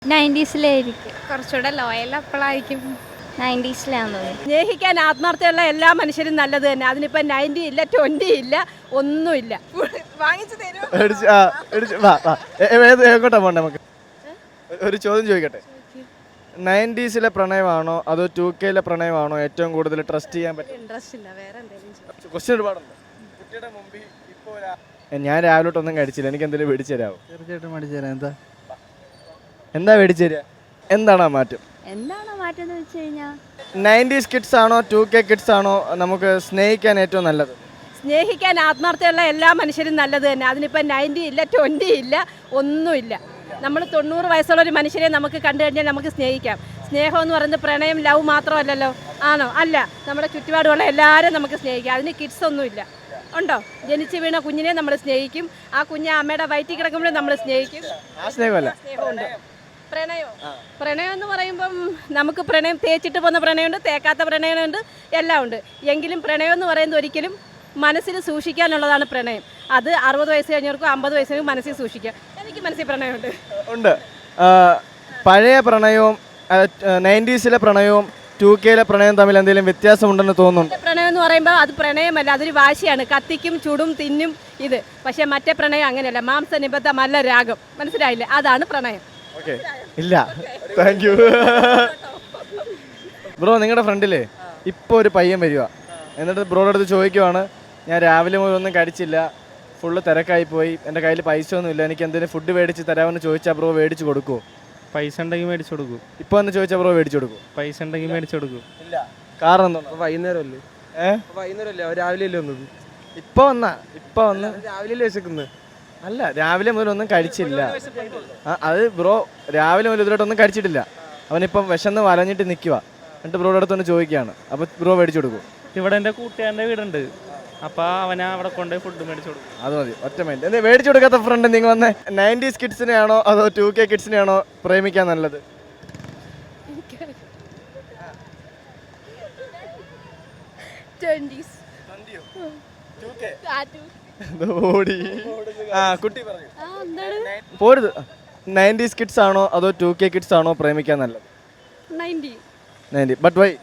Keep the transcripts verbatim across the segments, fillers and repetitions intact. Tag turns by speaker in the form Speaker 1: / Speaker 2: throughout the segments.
Speaker 1: നയൻറ്റീസിലായിരിക്കും.
Speaker 2: കുറച്ചുകൂടെ ലോയൽ അപ്പോഴായിരിക്കും.
Speaker 1: നയൻറ്റീസിലാണെന്ന് തോന്നുന്നു.
Speaker 3: സ്നേഹിക്കാൻ ആത്മാർത്ഥമുള്ള എല്ലാ മനുഷ്യരും നല്ലത് തന്നെ. അതിനിപ്പോൾ നയൻറ്റി ഇല്ല, ട്വൻറ്റി ഇല്ല, ഒന്നുമില്ല.
Speaker 2: വാങ്ങിച്ചു തരും.
Speaker 4: എടിച്ച് ആ, എടിച്ച് വാ, വാ. എ- എ- ഏത് എങ്ങോട്ടാ പോണ്ടേ നമുക്ക്? ഒരു ചോദ്യം ചോദിക്കട്ടെ. നയൻറ്റീസിലെ പ്രണയമാണോ അതോ ടു കെയിലെ പ്രണയമാണോ ഏറ്റവും കൂടുതൽ ട്രസ്റ്റ് ചെയ്യാൻ പറ്റും?
Speaker 3: ഇൻട്രസ്റ്റ് ഇല്ല, വേറെ എന്തെങ്കിലും.
Speaker 4: ക്വസ്റ്റ്യൻ ഒരുപാടുണ്ട്. കുട്ടിയുടെ മുമ്പിൽ ഇപ്പോൾ ഒരാ- ഞാൻ രാവിലെ തൊട്ടൊന്നും കഴിച്ചില്ല, എനിക്ക് എന്തെങ്കിലും മേടിച്ചു തരാമോ?
Speaker 5: തീർച്ചയായിട്ടും മേടിച്ചു തരാം. എന്താ
Speaker 4: എന്താ മേടിച്ചു തരിക? എന്താണ് ആ മാറ്റം?
Speaker 1: എന്താണോ മാറ്റം എന്ന് വെച്ച് കഴിഞ്ഞാൽ
Speaker 4: നയൻറ്റീസ് കിഡ്സ് ആണോ ടു കെ കിഡ്സ് ആണോ നമുക്ക് സ്നേഹിക്കാൻ ഏറ്റവും നല്ലത്?
Speaker 3: സ്നേഹിക്കാൻ ആത്മാർത്ഥമുള്ള എല്ലാ മനുഷ്യരും നല്ലത് തന്നെ. അതിനിപ്പോൾ നയൻറ്റി ഇല്ല, ട്വൻറ്റി ഇല്ല, ഒന്നുമില്ല. നമ്മൾ തൊണ്ണൂറ് വയസ്സുള്ള ഒരു മനുഷ്യരെ നമുക്ക് കണ്ടു കഴിഞ്ഞാൽ നമുക്ക് സ്നേഹിക്കാം. സ്നേഹം എന്ന് പറയുന്നത് പ്രണയം, ലവ് മാത്രമല്ലല്ലോ. ആണോ? അല്ല. നമ്മുടെ ചുറ്റുപാടുള്ള എല്ലാവരും നമുക്ക് സ്നേഹിക്കാം. അതിന് കിഡ്സ് ഒന്നുമില്ല. ഉണ്ടോ? ജനിച്ച് വീണ കുഞ്ഞിനെ നമ്മൾ സ്നേഹിക്കും. ആ കുഞ്ഞ് അമ്മയുടെ വയറ്റിൽ കിടക്കുമ്പോഴും നമ്മൾ സ്നേഹിക്കും.
Speaker 4: ആ സ്നേഹമല്ല,
Speaker 3: സ്നേഹമുണ്ട്. പ്രണയം പ്രണയം എന്ന് പറയുമ്പം നമുക്ക് പ്രണയം തേച്ചിട്ട് പോകുന്ന പ്രണയമുണ്ട്, തേക്കാത്ത പ്രണയമുണ്ട്, എല്ലാം ഉണ്ട്. എങ്കിലും പ്രണയം എന്ന് പറയുന്നത് ഒരിക്കലും മനസ്സിൽ സൂക്ഷിക്കാനുള്ളതാണ് പ്രണയം. അത് അറുപത് വയസ്സ് കഴിഞ്ഞവർക്കും അമ്പത് വയസ്സിനും മനസ്സിൽ സൂക്ഷിക്കാം. എനിക്ക് മനസ്സിൽ പ്രണയമുണ്ട്.
Speaker 4: ഉണ്ട്. ആ, പഴയ പ്രണയവും നയൻറ്റീസിലെ പ്രണയവും ടു കെയിലെ പ്രണയവും തമ്മിൽ എന്തെങ്കിലും വ്യത്യാസമുണ്ടെന്ന് തോന്നുന്നുണ്ട്?
Speaker 3: പ്രണയം എന്ന് പറയുമ്പോൾ അത് പ്രണയമല്ല, അതൊരു വാശിയാണ്. കത്തിക്കും ചുടും തിന്നും ഇത്. പക്ഷേ മറ്റേ പ്രണയം അങ്ങനെയല്ല. മാംസനിബദ്ധമല്ല രാഗം. മനസ്സിലായില്ലേ? അതാണ് പ്രണയം.
Speaker 4: ഓക്കെ, ഇല്ല, താങ്ക് യു. ബ്രോ, നിങ്ങളുടെ ഫ്രണ്ടിലേ ഇപ്പോൾ ഒരു പയ്യൻ വരിക, എന്നിട്ട് ബ്രോയുടെ അടുത്ത് ചോദിക്കുവാണ്, ഞാൻ രാവിലെ മുതൽ ഒന്നും കഴിച്ചില്ല, ഫുള്ള് തിരക്കായി പോയി, എൻ്റെ കയ്യിൽ പൈസ ഒന്നുമില്ല, എനിക്ക് എന്തെങ്കിലും ഫുഡ് മേടിച്ച് തരാമെന്ന് ചോദിച്ചാൽ ബ്രോ മേടിച്ച് കൊടുക്കുമോ?
Speaker 6: പൈസ ഉണ്ടെങ്കിൽ മേടിച്ചു കൊടുക്കും.
Speaker 4: ഇപ്പോൾ എന്ന് ചോദിച്ചാൽ ബ്രോ മേടിച്ച് കൊടുക്കും?
Speaker 6: പൈസ ഉണ്ടെങ്കിൽ മേടിച്ചു കൊടുക്കും.
Speaker 4: ഇല്ല. കാരണം എന്താണ്?
Speaker 7: വൈകുന്നേരം അല്ലേ?
Speaker 4: ഏഹ്
Speaker 7: വൈകുന്നേരം അല്ലേ? രാവിലെ അല്ലേ വന്നത്?
Speaker 4: ഇപ്പോൾ വന്നാ ഇപ്പോൾ വന്ന്
Speaker 7: രാവിലെ അല്ലേ വിശക്കുന്നത്?
Speaker 4: അല്ല, രാവിലെ മുതൽ ഒന്നും കഴിച്ചില്ല. ആ, അത് ബ്രോ രാവിലെ മുതൽ ഇതിലോട്ടൊന്നും കഴിച്ചിട്ടില്ല. അവനിപ്പം വിശന്ന് വലഞ്ഞിട്ട് നിൽക്കുക. എന്നിട്ട് ബ്രോയുടെ അടുത്തൊന്ന് ചോദിക്കുകയാണ്, അപ്പോൾ ബ്രോ മേടിച്ചു കൊടുക്കും?
Speaker 6: ഇവിടെ എൻ്റെ കൂട്ടുകാരൻ്റെ വീടുണ്ട്, അപ്പോൾ അവനെ അവിടെ കൊണ്ടുപോയി ഫുഡ് മേടിച്ചു കൊടുക്കും.
Speaker 4: അത് മതി, ഒറ്റ മൈൻഡ്. എന്താ മേടിച്ചു കൊടുക്കാത്ത ഫ്രണ്ട്? നിങ്ങൾ വന്ന് നയൻറ്റീസ് കിഡ്സിനെയാണോ അതോ ടു കെ കിഡ്സിനെയാണോ പ്രേമിക്കാൻ നല്ലത്? ഓടി. ആ, കുട്ടി പറഞ്ഞു. പോരുത്. നയൻറ്റീസ് കിഡ്സ് ആണോ അതോ ടു കെ കിഡ്സ് ആണോ പ്രേമിക്കാൻ നല്ലത്?
Speaker 3: നയൻറ്റി.
Speaker 4: നയൻറ്റി. But why?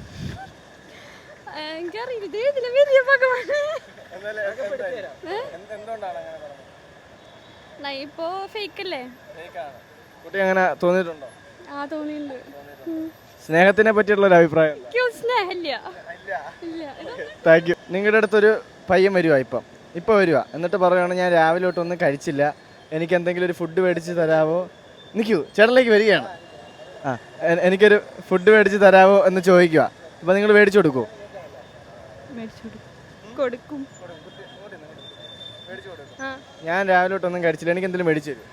Speaker 1: ഇപ്പോ ഫേക്ക് അല്ലേ?
Speaker 4: കുട്ടി അങ്ങനെ തോന്നിയിട്ടുണ്ടോ?
Speaker 1: ആ, തോന്നിയിട്ടുണ്ട്.
Speaker 4: സ്നേഹത്തിനെ പറ്റിയുള്ള ഒരു അഭിപ്രായം?
Speaker 1: സ്നേഹമില്ല.
Speaker 4: Thank you. നിങ്ങളുടെ അടുത്തൊരു പയ്യൻ വരുവാ, ഇപ്പം ഇപ്പോൾ വരുക, എന്നിട്ട് പറയുകയാണ്, ഞാൻ രാവിലെ തൊട്ടൊന്നും കഴിച്ചില്ല, എനിക്ക് എന്തെങ്കിലും ഒരു ഫുഡ് മേടിച്ച് തരാമോ? നിൽക്കൂ, ചേട്ടനിലേക്ക് വരികയാണ്. ആ, എ- എനിക്കൊരു ഫുഡ് മേടിച്ച് തരാമോ എന്ന് ചോദിക്കുക. അപ്പോൾ നിങ്ങൾ മേടിച്ചു കൊടുക്കുമോ?
Speaker 1: കൊടുക്കും.
Speaker 4: ഞാൻ രാവിലെ തൊട്ടൊന്നും കഴിച്ചില്ല, എനിക്ക് എന്തെങ്കിലും മേടിച്ചു തരും?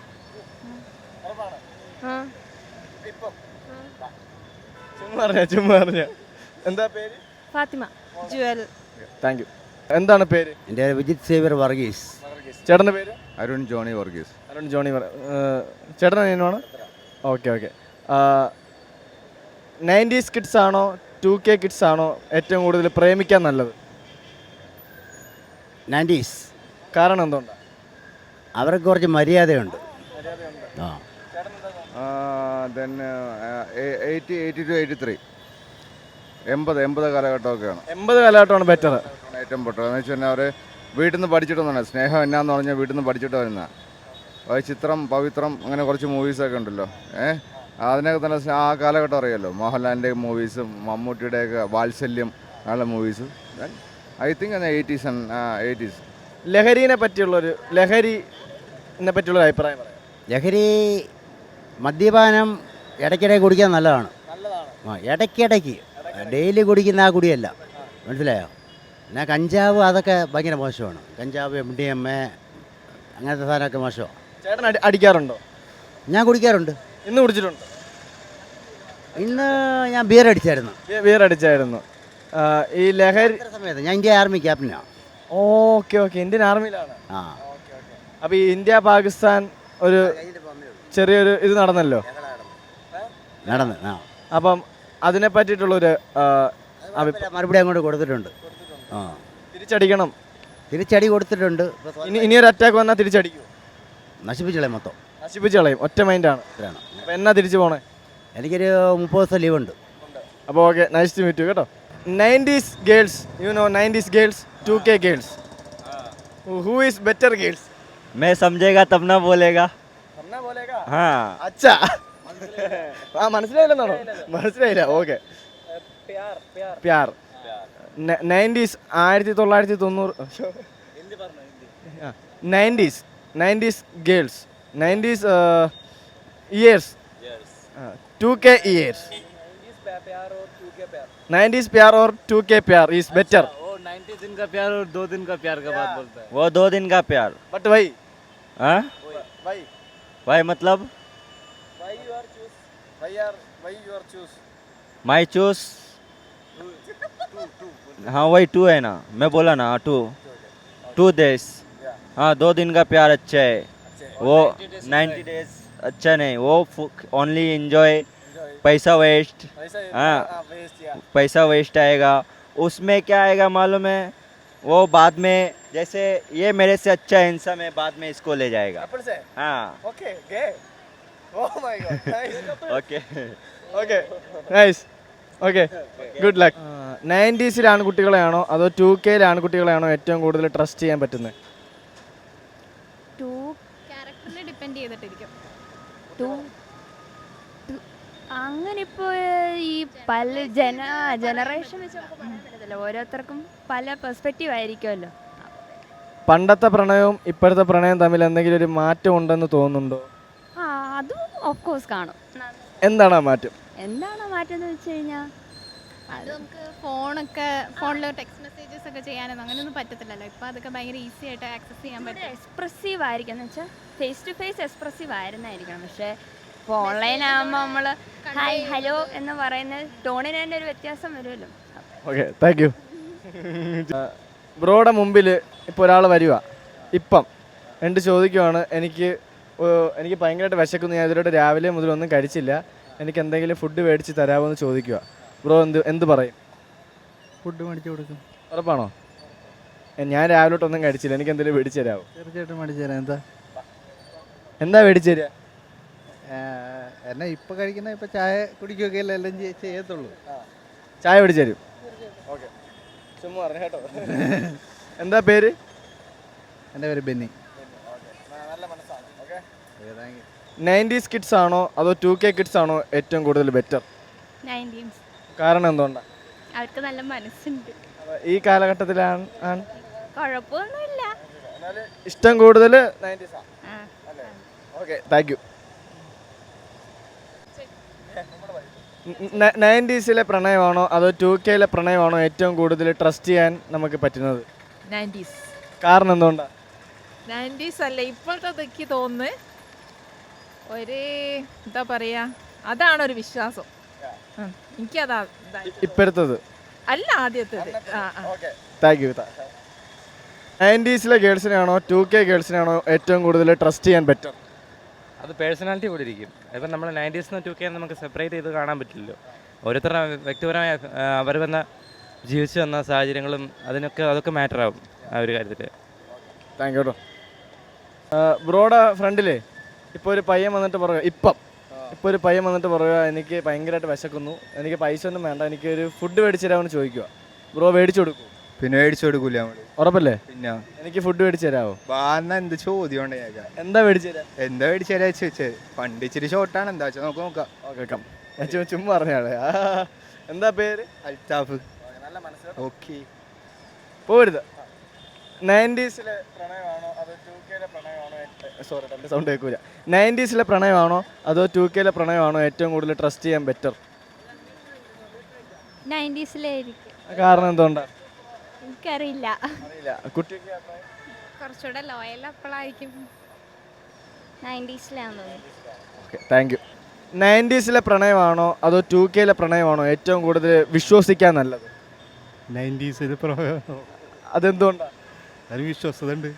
Speaker 4: ചുമ്മാ പറഞ്ഞ ചുമ്മാ പറഞ്ഞ എന്താ പേര്?
Speaker 1: ഫാത്തിമ. ജുവൽ.
Speaker 4: Thank you. എന്താണ് പേര്?
Speaker 8: എൻ്റെ വിജിത് സേവ്യർ വർഗീസ്.
Speaker 4: ചേട്ടൻ്റെ പേര്?
Speaker 9: അരുൺ ജോണി വർഗീസ്.
Speaker 4: അരുൺ ജോണി. ചേട്ടൻ അനിയനാണ്? Okay okay. നയൻറ്റീസ് കിഡ്സ് ആണോ ടു കെ കിഡ്സ് ആണോ ഏറ്റവും കൂടുതൽ പ്രേമിക്കാൻ നല്ലത്?
Speaker 8: നയൻറ്റീസ്.
Speaker 4: കാരണം എന്തുകൊണ്ടാണ്?
Speaker 8: അവർക്ക് കുറച്ച് മര്യാദയുണ്ട്. ആ
Speaker 9: then eighty eighty two eighty three എൺപത് എൺപത് കാലഘട്ടമൊക്കെയാണ്.
Speaker 4: എൺപത് കാലഘട്ടമാണ് ബെറ്റർ,
Speaker 9: ഏറ്റവും ബെറ്റർ. എന്ന് വെച്ച് കഴിഞ്ഞാൽ അവർ വീട്ടിൽ നിന്ന് പഠിച്ചിട്ടൊന്നുമില്ല. സ്നേഹം എന്നാന്ന് പറഞ്ഞാൽ വീട്ടിൽ നിന്ന് പഠിച്ചിട്ട് വരുന്ന ചിത്രം, പവിത്രം, അങ്ങനെ കുറച്ച് മൂവീസൊക്കെ ഉണ്ടല്ലോ. ഏഹ് അതിനൊക്കെ തന്നെ ആ കാലഘട്ടം അറിയാമല്ലോ. മോഹൻലാലിൻ്റെ മൂവീസും മമ്മൂട്ടിയുടെയൊക്കെ വാത്സല്യം, നല്ല movies. I think eighties and eighties.
Speaker 4: ലഹരിനെ പറ്റിയുള്ളൊരു ലഹരിനെ പറ്റിയുള്ളൊരു അഭിപ്രായം പറയാം.
Speaker 8: ലഹരി മദ്യപാനം ഇടയ്ക്കിടെ കുടിക്കാൻ നല്ലതാണ്. ആ, ഇടയ്ക്കിടയ്ക്ക്, ഡെയിലി കുടിക്കുന്ന ആ കുടിയല്ല. മനസ്സിലായോ? പിന്നെ കഞ്ചാവ് അതൊക്കെ ഭയങ്കര മോശമാണ്. കഞ്ചാവ്, എം ഡി എം എ, അങ്ങനത്തെ സാധനമൊക്കെ മോശമാണ്.
Speaker 4: ചേട്ടൻ അടി അടിക്കാറുണ്ടോ?
Speaker 8: ഞാൻ കുടിക്കാറുണ്ട്.
Speaker 4: ഇന്ന് കുടിച്ചിട്ടുണ്ടോ?
Speaker 8: ഇന്ന് ഞാൻ ബിയർ അടിച്ചായിരുന്നു.
Speaker 4: ബിയർ അടിച്ചായിരുന്നു. ആ, ഈ ലഹരി
Speaker 8: സമയത്ത് ഞാൻ ഇന്ത്യ ആർമി ക്യാപ്റ്റനാണ്.
Speaker 4: Okay okay. ഇന്ത്യൻ ആർമിയിലാണ്.
Speaker 8: ആ,
Speaker 4: അപ്പോൾ ഈ ഇന്ത്യ പാകിസ്ഥാൻ ഒരു ചെറിയൊരു ഇത് നടന്നല്ലോ,
Speaker 8: നടന്ന്. ആ,
Speaker 4: അപ്പം അതിനെ പറ്റിയിട്ടുള്ളൊരു
Speaker 8: മറുപടി അങ്ങോട്ട് കൊടുത്തിട്ടുണ്ട്. ആ,
Speaker 4: തിരിച്ചടിക്കണം.
Speaker 8: തിരിച്ചടി കൊടുത്തിട്ടുണ്ട്.
Speaker 4: ഇനി ഇനിയൊരു അറ്റാക്ക് വന്നാൽ തിരിച്ചടിക്കും?
Speaker 8: നശിപ്പിച്ചളെ മൊത്തം.
Speaker 4: നശിപ്പിച്ച് കളയും, ഒറ്റ മൈൻഡാണ്.
Speaker 8: ഇത്രയാണ്.
Speaker 4: അപ്പോൾ എന്നാ തിരിച്ചു പോണേ?
Speaker 8: എനിക്കൊരു മുപ്പത് ദിവസം ലീവ് ഉണ്ട്.
Speaker 4: അപ്പോൾ okay, nice to meet you കേട്ടോ. Nineties girls, you know nineties girls, two K girls, who is better girls?
Speaker 6: मैं समझेगा तब ना बोलेगा. हाँ.
Speaker 4: അച്ഛാ ആ മനസ്സിലായില്ലെന്നാണോ? മനസ്സിലായില്ല. ഓക്കെ. പ്യാർ. നയൻറ്റീസ് ആയിരത്തി തൊള്ളായിരത്തി തൊണ്ണൂറ് nineties nineties girls, nineties years, two K years. Nineties प्यार और टू के प्यार is better.
Speaker 6: वो नाइन्टी दिन का प्यार और दो दिन का प्यार का बात बोलता है. वो दो दिन का प्यार.
Speaker 4: But why?
Speaker 6: हाँ?
Speaker 4: Why?
Speaker 6: भाई मतलब
Speaker 4: Why you are choose? Why are why you are choose?
Speaker 6: माई चूस. हाँ वही टू है ना, मैं बोला ना टू. Two days. हाँ दो दिन का प्यार अच्छा है. वो नाइन्टी डेज अच्छा नहीं, वो ओनली एंजॉय. पैसा वेस्ट. हाँ पैसा वेस्ट आएगा. उसमें क्या आएगा मालूम है? वो बाद में जैसे ये मेरे से अच्छा है इंसान में, बाद में इसको ले जाएगा. हाँ.
Speaker 4: Okay, gay. Oh my god. Nice.
Speaker 6: Okay.
Speaker 4: Okay. Nice. Okay. Good luck. നയൻറ്റീസിലെ ആൺകുട്ടികളെയാണോ അതോ ടു കെയിലെ ആൺകുട്ടികളെയാണോ ഏറ്റവും കൂടുതൽ ട്രസ്റ്റ് ചെയ്യാൻ പറ്റുന്നത്?
Speaker 2: ടു ക്യാരക്ടറിനെ ഡിപ്പെൻഡ് ചെയ്തിട്ടിരിക്കും. ടു അങ്ങനെ ഇപ്പോൾ ഈ പല ജന ജനറേഷൻ വെച്ച് നമുക്ക് പറയാൻ പറ്റത്തില്ല. ഓരോരുത്തർക്കും പല പെർസ്പെക്റ്റീവ് ആയിരിക്കുമല്ലോ.
Speaker 4: പണ്ടത്തെ പ്രണയവും ഇപ്പോഴത്തെ പ്രണയവും തമ്മിൽ എന്തെങ്കിലും ഒരു മാറ്റം ഉണ്ടെന്ന് തോന്നുന്നുണ്ടോ?
Speaker 2: ആ അതും ഓഫ് കോഴ്സ് കാണും.
Speaker 4: എന്താണ് ആ മാറ്റം?
Speaker 2: എന്താണ് മാറ്റം എന്ന് വെച്ച് കഴിഞ്ഞാൽ അത് നമുക്ക് ഫോണൊക്കെ ഫോണിൽ ടെക്സ്റ്റ് മെസ്സേജസ് ഒക്കെ ചെയ്യാനൊന്നും അങ്ങനെയൊന്നും പറ്റത്തില്ലല്ലോ. ഇപ്പോൾ അതൊക്കെ ഭയങ്കര ഈസി ആയിട്ട് ആക്സസ് ചെയ്യാൻ പറ്റും. എക്സ്പ്രസീവ് ആയിരിക്കും എന്ന് വെച്ചാൽ ഫേസ് ടു ഫേസ് എക്സ്പ്രസീവ് ആയിരുന്നായിരിക്കണം. പക്ഷേ ഇപ്പോൾ ഓൺലൈൻ ആകുമ്പോൾ നമ്മൾ ഹായ് ഹലോ എന്ന് പറയുന്ന ടോണിന് തന്നെ ഒരു വ്യത്യാസം വരുമല്ലോ.
Speaker 4: Okay, thank you. ബ്രോയുടെ മുമ്പിൽ ഇപ്പോൾ ഒരാൾ വരിക, ഇപ്പം എന്നിട്ട് ചോദിക്കുവാണ്, എനിക്ക് ഓ- എനിക്ക് ഭയങ്കരമായിട്ട് വിശക്കുന്നു, ഞാൻ ഇതിലൂടെ രാവിലെ മുതൽ ഒന്നും കഴിച്ചില്ല, എനിക്ക് എന്തെങ്കിലും ഫുഡ് മേടിച്ച് തരാമോ എന്ന് ചോദിക്കുക. ബ്രോ എന്ത് എന്ത് പറയും?
Speaker 7: ഫുഡ് മേടിച്ചു കൊടുക്കും.
Speaker 4: ഉറപ്പാണോ? എ, ഞാൻ രാവിലെ തൊട്ടൊന്നും കഴിച്ചില്ല, എനിക്ക് എന്തെങ്കിലും മേടിച്ച് തരാമോ?
Speaker 7: തീർച്ചയായിട്ടും മേടിച്ചു തരാം. എന്താ
Speaker 4: എന്താ മേടിച്ച് തരിക?
Speaker 7: എന്നെ ഇപ്പം കഴിക്കുന്ന ഇപ്പം ചായ കുടിക്കുകയൊക്കെ അല്ലേ എല്ലാം ചെയ്യ- ചെയ്യത്തുള്ളൂ.
Speaker 4: ചായ മേടിച്ച് തരും. ഓക്കെ, ചുമ്മാ പറഞ്ഞു കേട്ടോ. എന്താ പേര്?
Speaker 7: എൻ്റെ പേര് ബെന്നി.
Speaker 4: നയൻറ്റീസ് കിഡ്സ് ആണോ അതോ ടു കെ കിഡ്സ് ആണോ ഏറ്റവും കൂടുതൽ ബെറ്റർ?
Speaker 2: നയൻറ്റീൻസ്.
Speaker 4: കാരണം എന്തുകൊണ്ടാണ്?
Speaker 2: അവർക്ക് നല്ല മനസ്സുണ്ട്.
Speaker 4: ഈ കാലഘട്ടത്തിലാണ് ആണ്
Speaker 2: കുഴപ്പമൊന്നുമില്ല.
Speaker 4: ഇഷ്ടം കൂടുതൽ നയൻറ്റീസ് ആണ്.
Speaker 2: ആ
Speaker 4: ഓക്കെ, താങ്ക് യു. നയൻറ്റീസിലെ പ്രണയമാണോ അതോ ടു കെയിലെ പ്രണയമാണോ ഏറ്റവും കൂടുതൽ ട്രസ്റ്റ് ചെയ്യാൻ നമുക്ക് പറ്റുന്നത്?
Speaker 5: നയൻറ്റീസ്.
Speaker 4: കാരണം എന്തുകൊണ്ടാണ്?
Speaker 5: നയൻറ്റീസ് അല്ല ഇപ്പോഴത്തെ എനിക്ക് തോന്നുന്നു ഒരു എന്താ പറയുക, അതാണ് ഒരു വിശ്വാസം. ഉം. എനിക്കതാ ഇതായി.
Speaker 4: ഇപ്പോഴത്തത്
Speaker 5: അല്ല ആദ്യത്തേത്. ആ ആ
Speaker 4: താങ്ക് യു. നയൻറ്റീസിലെ ഗേൾസിനാണോ ടു കെ ഗേൾസിനാണോ ഏറ്റവും കൂടുതൽ ട്രസ്റ്റ് ചെയ്യാൻ പറ്റും?
Speaker 6: അത് പേഴ്സണാലിറ്റി കൂടി ഇരിക്കും. ഇപ്പം നമ്മൾ നയൻറ്റീസ് ടു കെ നമുക്ക് സെപ്പറേറ്റ് ചെയ്ത് കാണാൻ പറ്റില്ലല്ലോ. ഓരോരുത്തരുടെ വ്യക്തിപരമായ അവർ വന്ന ജീവിച്ചു വന്ന സാഹചര്യങ്ങളും അതിനൊക്കെ അതൊക്കെ മാറ്റർ ആവും ആ ഒരു കാര്യത്തിൽ.
Speaker 4: താങ്ക് യു കേട്ടോ. ബ്രോയുടെ ഫ്രണ്ടിലേ ഇപ്പോൾ ഒരു പയ്യൻ വന്നിട്ട് പറയുക, ഇപ്പം ഇപ്പോൾ ഒരു പയ്യൻ വന്നിട്ട് പറയുക, എനിക്ക് ഭയങ്കരമായിട്ട് വിശക്കുന്നു, എനിക്ക് പൈസ ഒന്നും വേണ്ട, എനിക്ക് ഒരു ഫുഡ് മേടിച്ച് തരാമെന്ന് ചോദിക്കുക. ബ്രോ മേടിച്ചു കൊടുക്കും?
Speaker 7: പിന്നെ മേടിച്ചു കൊടുക്കൂല നമ്മള്.
Speaker 4: ഉറപ്പല്ലേ?
Speaker 7: പിന്നെ
Speaker 4: എനിക്ക് ഫുഡ് മേടിച്ച് തരാമോ?
Speaker 7: ബാന്ന എന്ത് ചോദ്യം ഉണ്ട് ഞാൻ.
Speaker 4: എന്താ മേടിച്ച് തരാം?
Speaker 7: എന്താ മേടിച്ചു തരാ ചോദിച്ചത്? പണ്ട് ഇച്ചിരി ഷോർട്ടാണ്, എന്താ വെച്ചാൽ നമുക്ക് നോക്കാം.
Speaker 4: ഓക്കെ കം, ഞാൻ ചുമ്മാ ചുമ്മാ പറഞ്ഞാളെ. എന്താ പേര്?
Speaker 7: അൽത്താഫ്.
Speaker 4: നല്ല മനസ്സിലാവും.
Speaker 7: ഓക്കെ.
Speaker 4: പോരുത്. നയൻറ്റീസിലെ പ്രണയമാണോ അതോ ടു കെയിലെ പ്രണയമാണോ? സോറി എൻ്റെ സൗണ്ട് കേൾക്കൂല. നയൻറ്റീസിലെ പ്രണയമാണോ അതോ ടു കെയിലെ പ്രണയമാണോ ഏറ്റവും കൂടുതൽ ട്രസ്റ്റ് ചെയ്യാൻ ബെറ്റർ?
Speaker 2: നയൻറ്റീസിലായിരിക്കും.
Speaker 4: കാരണം എന്തുകൊണ്ടാണ്?
Speaker 2: എനിക്കറിയില്ല.
Speaker 4: അറിയില്ല. കുട്ടിക്ക്
Speaker 2: കുറച്ചുകൂടെ ലോയൽ അപ്പോഴായിരിക്കും. നയൻറ്റീസിലാണെന്ന് തോന്നുന്നു.
Speaker 4: Okay, thank you. നയൻറ്റീസിലെ പ്രണയമാണോ അതോ ടു കെയിലെ പ്രണയമാണോ ഏറ്റവും കൂടുതൽ വിശ്വസിക്കാൻ നല്ലത്?
Speaker 7: നയൻറ്റീസിൽ
Speaker 4: അതെന്തുകൊണ്ടാണ്?
Speaker 7: അതിന് വിശ്വാസത ഉണ്ട്.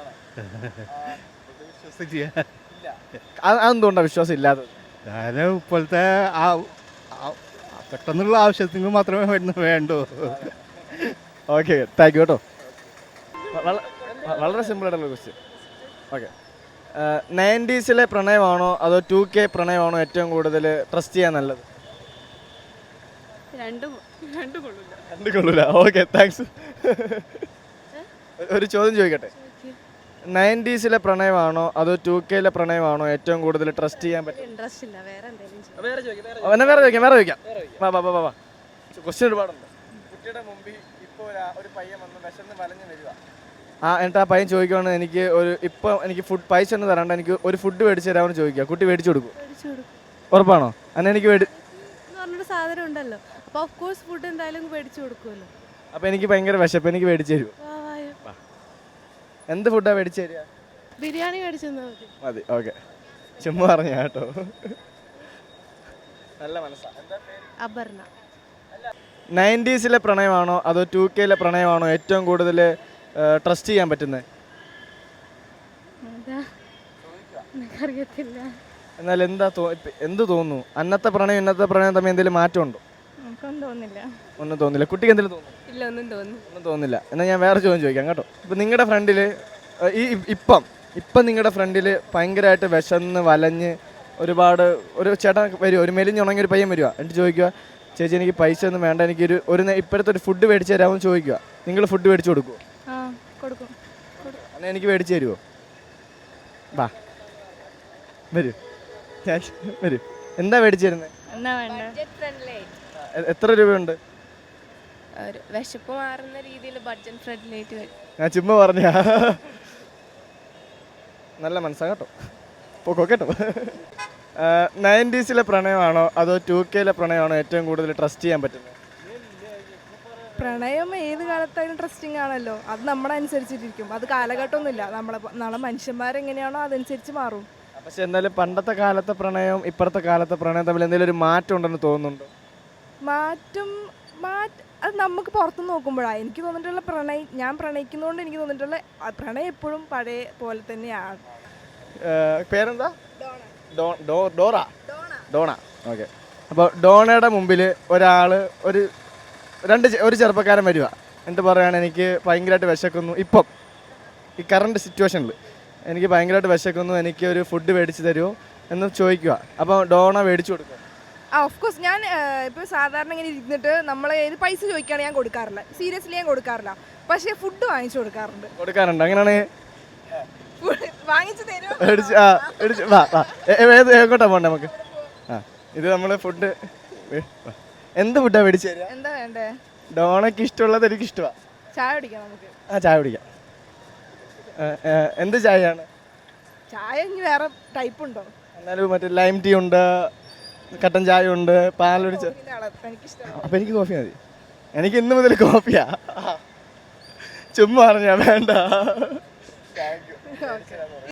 Speaker 4: അതെന്തുകൊണ്ടാണ് വിശ്വാസം ഇല്ലാത്തത്?
Speaker 7: ഞാൻ ഇപ്പോഴത്തെ ആ പെട്ടെന്നുള്ള ആവശ്യത്തിന് മാത്രമേ വരുന്നു വേണ്ടൂ.
Speaker 4: ഓക്കെ, താങ്ക് യു കേട്ടോ. വളരെ സിമ്പിൾ ആയിട്ടുള്ള ക്വസ്റ്റ്യൻ. ഓക്കെ, നയൻറ്റീസിലെ പ്രണയമാണോ അതോ ടു കെ പ്രണയമാണോ ഏറ്റവും കൂടുതൽ ട്രസ്റ്റ് ചെയ്യാൻ നല്ലത്?
Speaker 1: രണ്ടും രണ്ടും കൊള്ളില്ല.
Speaker 4: രണ്ട് കൊള്ളൂല. Okay, thanks. ഒരു ചോദ്യം ചോദിക്കട്ടെ, നയൻറ്റീസിലെ പ്രണയമാണോ അതോ ടു കെയിലെ പ്രണയമാണോ ഏറ്റവും കൂടുതൽ ട്രസ്റ്റ് ചെയ്യാൻ പറ്റും?
Speaker 1: ഇൻട്രസ്റ്റ് ഇല്ല, വേറെ എന്തെങ്കിലും
Speaker 4: അവനെ വേറെ ചോദിക്കാം വേറെ ചോദിക്കാം വാ വാ വാ വാ ക്വസ്റ്റ്യൻ ഒരുപാടുണ്ട്. കുട്ടിയുടെ മുമ്പിൽ ഇപ്പോൾ ഒരു പയ്യൻ വന്ന് വിശന്ന് വലഞ്ഞ് വരിക. ആ എന്നിട്ട് ആ പയ്യൻ ചോദിക്കുവാണ് എനിക്ക് ഒരു ഇപ്പം എനിക്ക് ഫുഡ് പൈസ ഒന്നും തരാണ്ട് എനിക്ക് ഒരു ഫുഡ് മേടിച്ച് തരാമെന്ന് ചോദിക്കുക. കുട്ടി മേടിച്ചു കൊടുക്കും?
Speaker 1: മേടിച്ചു കൊടുക്കും.
Speaker 4: ഉറപ്പാണോ? അന്ന് എനിക്ക് മേടി
Speaker 1: എന്ന് പറഞ്ഞൊരു സാധനം ഉണ്ടല്ലോ, അപ്പോൾ ഓഫ് കോഴ്സ് ഫുഡ് എന്തായാലും മേടിച്ചു കൊടുക്കുമല്ലോ.
Speaker 4: അപ്പം എനിക്ക് ഭയങ്കര വിശപ്പ്, എനിക്ക് മേടിച്ച് തരുമോ?
Speaker 1: വാ വായോ.
Speaker 4: എന്ത് ഫുഡാണ് മേടിച്ച് തരിക?
Speaker 1: ബിരിയാണി മേടിച്ചു തന്നാൽ മതി.
Speaker 4: മതി. ഓക്കെ, ചുമ്മാ പറഞ്ഞ കേട്ടോ. നല്ല മനസ്സാണ്.
Speaker 1: അപർണ.
Speaker 4: നയൻറ്റീസിലെ പ്രണയമാണോ അതോ ടു കെയിലെ പ്രണയമാണോ ഏറ്റവും കൂടുതൽ ട്രസ്റ്റ് ചെയ്യാൻ പറ്റുന്നത്?
Speaker 1: അതാ എനിക്കറിയത്തില്ല.
Speaker 4: എന്നാൽ എന്താ തോ ഇപ്പ- എന്ത് തോന്നുന്നു? അന്നത്തെ പ്രണയം ഇന്നത്തെ പ്രണയം തമ്മിൽ എന്തെങ്കിലും മാറ്റമുണ്ടോ?
Speaker 1: നമുക്കൊന്നും തോന്നില്ല.
Speaker 4: ഒന്നും തോന്നില്ല. കുട്ടിക്ക് എന്തെങ്കിലും തോന്നുന്നു?
Speaker 1: ഇല്ല, ഒന്നും തോന്നുന്നു.
Speaker 4: ഒന്നും തോന്നില്ല. എന്നാൽ ഞാൻ വേറെ ചോദ്യം ചോദിക്കാം കേട്ടോ. ഇപ്പം നിങ്ങളുടെ ഫ്രണ്ടിൽ ഈ ഇപ്പം ഇപ്പം നിങ്ങളുടെ ഫ്രണ്ടിൽ ഭയങ്കരമായിട്ട് വിശന്ന് വലഞ്ഞ് ഒരുപാട് ഒരു ചേട്ടൻ വരുമോ, ഒരു മെലിഞ്ഞുണങ്ങിയ ഒരു പയ്യൻ വരുക, എന്നിട്ട് ചോദിക്കുക ചേച്ചി എനിക്ക് പൈസ ഒന്നും വേണ്ട, എനിക്കൊരു ഒരു നേ- ഇപ്പോഴത്തെ ഒരു ഫുഡ് മേടിച്ച് തരാമെന്ന് ചോദിക്കുക. നിങ്ങൾ ഫുഡ് മേടിച്ച് കൊടുക്കുമോ?
Speaker 1: ആ കൊടുക്കും.
Speaker 4: എന്നാൽ എനിക്ക് മേടിച്ച് തരുമോ? വാ വരൂ, ഞാൻ വരൂ. എന്താ മേടിച്ച് തരുന്നത്?
Speaker 1: എന്നാ വേണ്ട?
Speaker 4: എ- എത്ര രൂപയുണ്ട്?
Speaker 1: ഒരു വിശപ്പ് മാറുന്ന രീതിയിൽ ബഡ്ജറ്റ് ഫ്രണ്ട്ലി ആയിട്ട് വരും.
Speaker 4: ഞാൻ ചുമ്മാ പറഞ്ഞ നല്ല മനസ്സാ കേട്ടോ. പോക്കോ കേട്ടോ. നയൻറ്റീസിലെ പ്രണയമാണോ അതോ ടു കെയിലെ പ്രണയമാണോ ഏറ്റവും കൂടുതൽ ട്രസ്റ്റ് ചെയ്യാൻ പറ്റുന്നത്?
Speaker 10: പ്രണയം ഏത് കാലത്തായാലും ട്രസ്റ്റിംഗ് ആണല്ലോ. അത് നമ്മുടെ അനുസരിച്ചിട്ടിരിക്കും. അത് കാലഘട്ടമൊന്നുമില്ല. നമ്മളെ നമ്മളെ മനുഷ്യന്മാരെങ്ങനെയാണോ അതനുസരിച്ച് മാറും.
Speaker 4: പക്ഷെ എന്നാലും പണ്ടത്തെ കാലത്തെ പ്രണയവും ഇപ്പോഴത്തെ കാലത്തെ പ്രണയം തമ്മിൽ എന്തെങ്കിലും ഒരു മാറ്റം ഉണ്ടെന്ന് തോന്നുന്നുണ്ടോ?
Speaker 10: മാറ്റം മാറ്റ അത് നമുക്ക് പുറത്ത് നോക്കുമ്പോഴാണ് എനിക്ക് തോന്നിയിട്ടുള്ള പ്രണയം, ഞാൻ പ്രണയിക്കുന്നതുകൊണ്ട് എനിക്ക് തോന്നിയിട്ടുള്ള ആ പ്രണയം എപ്പോഴും പഴയ പോലെ തന്നെയാണ്.
Speaker 4: ഏഹ് പേരെന്താ? ഡോ ഡോ ഡോറ ഡോണ. ഓക്കെ. അപ്പോൾ ഡോണയുടെ മുമ്പിൽ ഒരാൾ ഒരു രണ്ട് ചെ- ഒരു ചെറുപ്പക്കാരൻ വരിക, എന്നിട്ട് പറയുകയാണ് എനിക്ക് ഭയങ്കരമായിട്ട് വിശക്കുന്നു, ഇപ്പം ഈ കറണ്ട് സിറ്റുവേഷനിൽ എനിക്ക് ഭയങ്കരമായിട്ട് വിശക്കുന്നു, എനിക്ക് ഒരു ഫുഡ് മേടിച്ച് തരുമോ എന്ന് ചോദിക്കുക. അപ്പോൾ ഡോണ മേടിച്ചു കൊടുക്കുക.
Speaker 10: ആ ഓഫ് കോഴ്സ് ഞാൻ ഇപ്പോൾ സാധാരണ ഇങ്ങനെ ഇരുന്നിട്ട് നമ്മൾ ഏത് പൈസ ചോദിക്കുകയാണെങ്കിൽ ഞാൻ കൊടുക്കാറില്ല. സീരിയസ്ലി ഞാൻ കൊടുക്കാറില്ല. പക്ഷേ ഫുഡ് വാങ്ങിച്ചു കൊടുക്കാറുണ്ട്.
Speaker 4: കൊടുക്കാറുണ്ട്. അങ്ങനെയാണെങ്കിൽ
Speaker 10: വാങ്ങിച്ചു തരുമോ?
Speaker 4: മേടിച്ച് ആ മേടിച്ച് വാ വാ ഏ- ഏ- ഏത് എങ്ങോട്ടാ പോകണ്ടേ നമുക്ക്? ആ ഇത് നമ്മൾ ഫുഡ് എന്ത് ഫുഡാണ് മേടിച്ച് തരിക?
Speaker 10: എന്താ വേണ്ടേ?
Speaker 4: ഡോണയ്ക്ക് ഇഷ്ടമുള്ളത് എനിക്ക് ഇഷ്ടമാണ്.
Speaker 10: ചായ കുടിക്കാം നമുക്ക്.
Speaker 4: ആ ചായ കുടിക്കാം. ഏ, ഏ, എന്ത് ചായയാണ്?
Speaker 10: ചായ ഇനി വേറെ ടൈപ്പ് ഉണ്ടോ?
Speaker 4: എന്നാലും മറ്റേ ലൈം ടീ ഉണ്ട്, കട്ടൻ ചായ ഉണ്ട്, പാലൊടിച്ച.
Speaker 10: എനിക്കിഷ്ടം.
Speaker 4: അപ്പം എനിക്ക് കോഫി മതി. എനിക്ക് ഇന്ന് മുതൽ കോഫിയാ. ചുമ്മാ പറഞ്ഞാ വേണ്ട.